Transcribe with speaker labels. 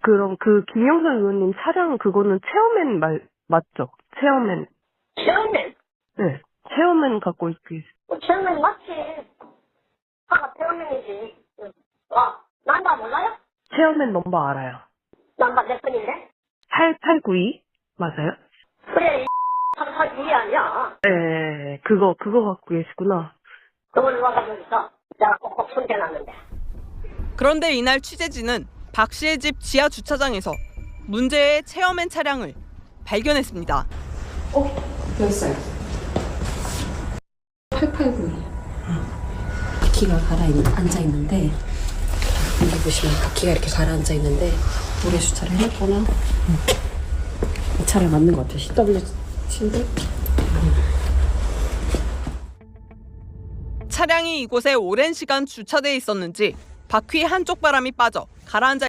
Speaker 1: 그럼 그 김영선 의원님 차량 그거는 체어맨 맞죠? 체어맨.
Speaker 2: 체어맨?
Speaker 1: 네. 체어맨 갖고 있기.
Speaker 2: 체어맨 맞지. 차가 체어맨이지. 와, 남바 몰라요?
Speaker 1: 체어맨 넘버 알아요.
Speaker 2: 남바 몇 번인데?
Speaker 1: 8892 맞아요?
Speaker 2: 그래, 이 상사주의 아니야.
Speaker 1: 네, 그거 갖고 계시구나.
Speaker 2: 그걸 와가지고 있어. 내가 꼭꼭 손대놨는데.
Speaker 3: 그런데 이날 취재진은 박 씨의 집 지하 주차장에서 문제의 체어맨 차량을 발견했습니다.
Speaker 4: 여기 있어요. 8892. 바퀴가 앉아 있는데, 여기 보시면 바퀴가 이렇게 가라앉아 있는데, 모래 주차를 해놨거나, 이 차를 맞는 것 같아요. CW인데?
Speaker 3: 차량이 이곳에 오랜 시간 주차돼 있었는지 바퀴 한쪽 바람이 빠져 가라앉아